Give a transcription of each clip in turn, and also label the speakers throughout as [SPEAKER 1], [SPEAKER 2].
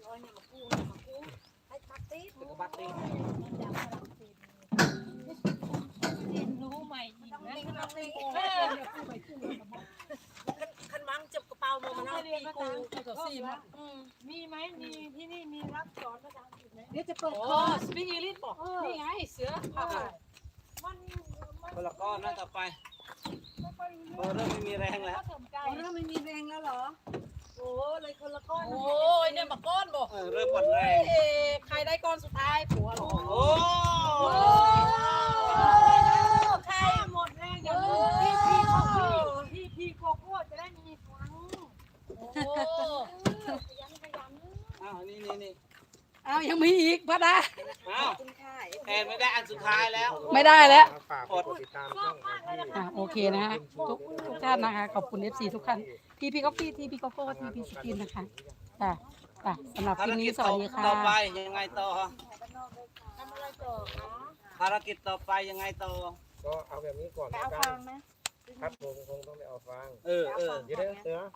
[SPEAKER 1] บัตรตีรู้ใหม่อีกนะคันมังจับกระเป๋ามามันเอาปีกูตัวซีมมีไหมมีที่นี่มีรับสอนภาษาอังกฤษไหมเดี๋ยวจะเปิดคอร์สสปีกอังกฤษบอกนี่ไงเสือมันคนละก้อนนะต่อไปเริ่มไม่มีแรงแล้วเริ่มไม่มีแรงแล้วเหรอโอ้เลยคนละก้อนโอ้ยเนี่ยมาก้อนบอกเริ่มหมดแรงใครได้ก้อนสุดท้ายผัวหรอโอ้ใครหมดแรงอย่างพี่โกโก้จะได้มีครั้งโอ้อ้าวนี่อ้าวยังมีอีกพระดาอ้าวแอนไม่ได้อันสุดท้ายแล้วไม่ได้แล้วติดตามช่องโอเคนะฮะทุกท่านนะคะขอบคุณ FC ทุกท่านพี่ก๊อฟฟี่พี่โกโก้พี่สกินนะคะสำหรับคลิปนี้สวัสดีค่ะต่อไปยังไงต่อทำอะไรต่อภารกิจต่อไปยังไงต่อ
[SPEAKER 2] ก็เอาแบบนี้ก่อนนะครับผมคงต้องไปเอาฟางเดี๋ยวเสือ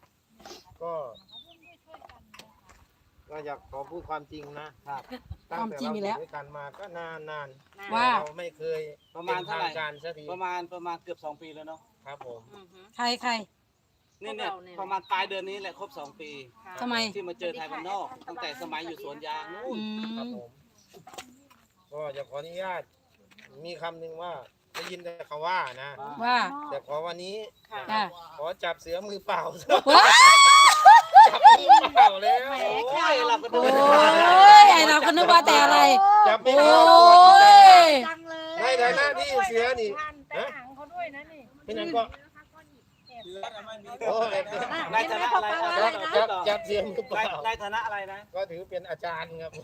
[SPEAKER 2] ก็อยากขอพูดความจริงนะครับตั้งแต่เราอยู่ด้วยกันมาก็นาน
[SPEAKER 1] ว่า
[SPEAKER 2] เราไม่เคย
[SPEAKER 3] ประมาณเท่าไหร่
[SPEAKER 2] ประมาณ
[SPEAKER 3] เกือบ2 ปีแล้วเนาะ
[SPEAKER 2] ครับผม
[SPEAKER 1] ใคร
[SPEAKER 3] เนี่ยประมาณปลายเดือนนี้แหละครบ2 ปี
[SPEAKER 1] ทำไม
[SPEAKER 3] ที่มาเจอไทยบ้านนอกตั้งแต่สมัยอยู่สวนยางนู่น
[SPEAKER 2] ครับผมก็อยากขออนุญาตมีคำหนึ่งว่าได้ยินแต่เขาว่านะ
[SPEAKER 1] ว่า
[SPEAKER 2] แต่ขอวันนี้ขอจับเสือมือเปล่าจับมือเปล่าแล้ว
[SPEAKER 3] เราก็ดู
[SPEAKER 1] ไอเราก็นึกว่าแต่อะไร
[SPEAKER 2] จับไม่ได้ในฐานะที่เสือนี่
[SPEAKER 1] เขาด้วยนะนี่
[SPEAKER 2] เป็นยังก็
[SPEAKER 3] ในฐานะอะไร
[SPEAKER 2] จับเสือมือเปล่า
[SPEAKER 3] ในฐานะอะไรนะ
[SPEAKER 2] ก็ถือเป็นอาจารย์ครับ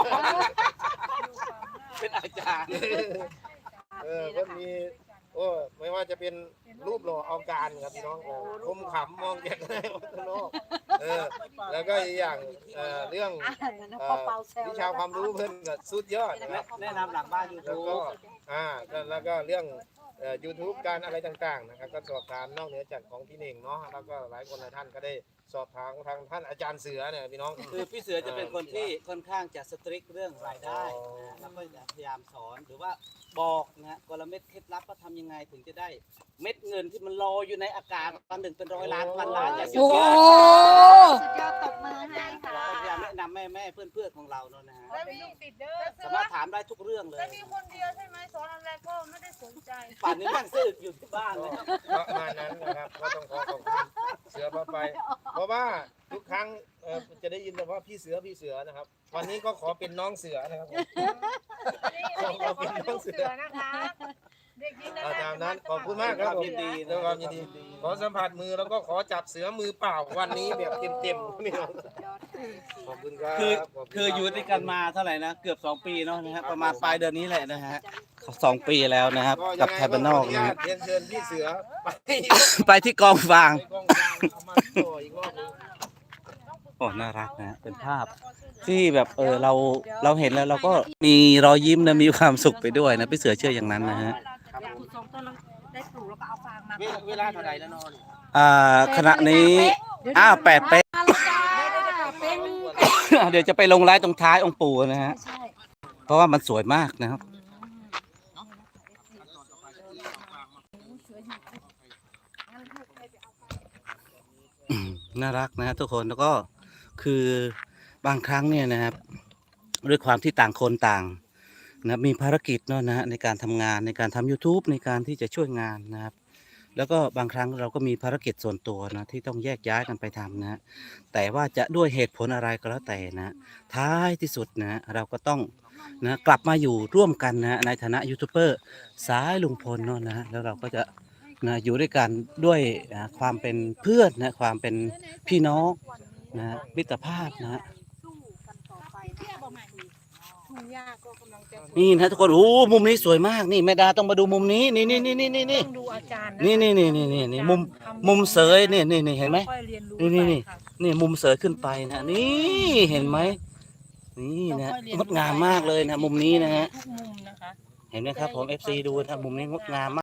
[SPEAKER 3] เป็นอาจารย์
[SPEAKER 2] ก็มีไม่ว่าจะเป็นรูปหล่อเอาการครับพี่น้องคมขำมองจากในวัฒนโลกแล้วก็อีกอย่างเรื่องวิชาความรู้เพิ่นก็สุดยอดนะครับ
[SPEAKER 3] แนะนำหลังบ้านยูทูบ
[SPEAKER 2] แล้วก็เรื่องYouTube การอะไรต่างๆนะครับก็สอบถามนอกเหนือจากของพี่เน่งเนาะแล้วก็หลายคนหลายท่านก็ได้สอบถามทางท่านอาจารย์เสือเนี่ยพี่น้อง
[SPEAKER 3] คือพี่เสือจะเป็นคนที่ค่อนข้างจะสตริกเรื่องรายได้แล้วก็พยายามสอนหรือว่าบอกนะกลเม็ดเคล็ดลับว่าทำยังไงถึงจะได้เม็ดเงินที่มันลอยอยู่ในอากาศวันหนึ่งเป็น100 ล้านพันล้านอย่างเงี้ย
[SPEAKER 1] สุดยอดตบมือให้ค่ะ
[SPEAKER 3] พยายามแนะนำแม่เพื่อนของเราเนาะนะฮะสามารถถามได้ทุกเรื่องเลย
[SPEAKER 1] มีคนเดียวใช่ไหมสอนอะไรก็ไม่ได้สนใจ
[SPEAKER 3] ป่านนี้นั่งซื้ออยู่ที่บ้านเลย
[SPEAKER 2] ประมาณนั้นนะครับก็ต้องขอบคุณเสือพาไปเพราะว่าทุกครั้งจะได้ยินแต่ว่าพี่เสือนะครับวันนี้ก็ขอเป็นน้องเสือนะครับขอเป็นน้องเสือ
[SPEAKER 1] นะคะเด็กยิน
[SPEAKER 2] ตามนั้นขอบคุณมากครับยินดีด้วยความยินดีขอสัมผัสมือแล้วก็ขอจับเสือมือเปล่าวันนี้แบบเต็มๆนี่ขอบคุณครับ
[SPEAKER 3] คืออยู่ด้วยกันมาเท่าไหร่นะเกือบ2 ปีเนาะนะฮะประมาณปลายเดือนนี้แหละนะฮะ2 ปีแล้วนะครับกับไทยบ้านนอกนะฮะ
[SPEAKER 2] เชิญพี่เสือ
[SPEAKER 3] ไปที่กองฟางโอ้น่ารักนะเป็นภาพที่แบบเราเห็นแล้วเราก็มีรอยยิ้มนะมีความสุขไปด้วยนะพี่เสือเชื่ออย่างนั้นนะฮะ
[SPEAKER 2] เวลาเท่าไหร่แล้วนอน
[SPEAKER 3] ขณะนี้8 เป๊ะเดี๋ยวจะไปลงไลฟ์ตรงท้ายองค์ปู่นะฮะเพราะว่ามันสวยมากนะครับน่ารักนะทุกคนแล้วก็คือบางครั้งเนี่ยนะครับด้วยความที่ต่างคนต่างนะมีภารกิจเนาะนะในการทำงานในการทำ YouTube ในการที่จะช่วยงานนะครับแล้วก็บางครั้งเราก็มีภารกิจส่วนตัวนะที่ต้องแยกย้ายกันไปทำนะแต่ว่าจะด้วยเหตุผลอะไรก็แล้วแต่นะท้ายที่สุดนะเราก็ต้องนะกลับมาอยู่ร่วมกันนะในฐานะยูทูบเบอร์สายลุงพลเนาะนะแล้วเราก็จะนะอยู่ด้วยกันด้วยความเป็นเพื่อนนะความเป็นพี่น้องนะมิตรภาพนะนี่นะทุกคนโอ้มุมนี้สวยมากนี่แม่ดาต้องมาดูมุมนี้นี่
[SPEAKER 1] ดูอาจารย์
[SPEAKER 3] นี่มุมเสยนี่เห็นไหมนี่มุมเสยขึ้นไปนะนี่เห็นไหมนี่นะงดงามมากเลยนะมุมนี้นะฮะเห็นไหมครับผม FC ดูนะมุมนี้งดงามมาก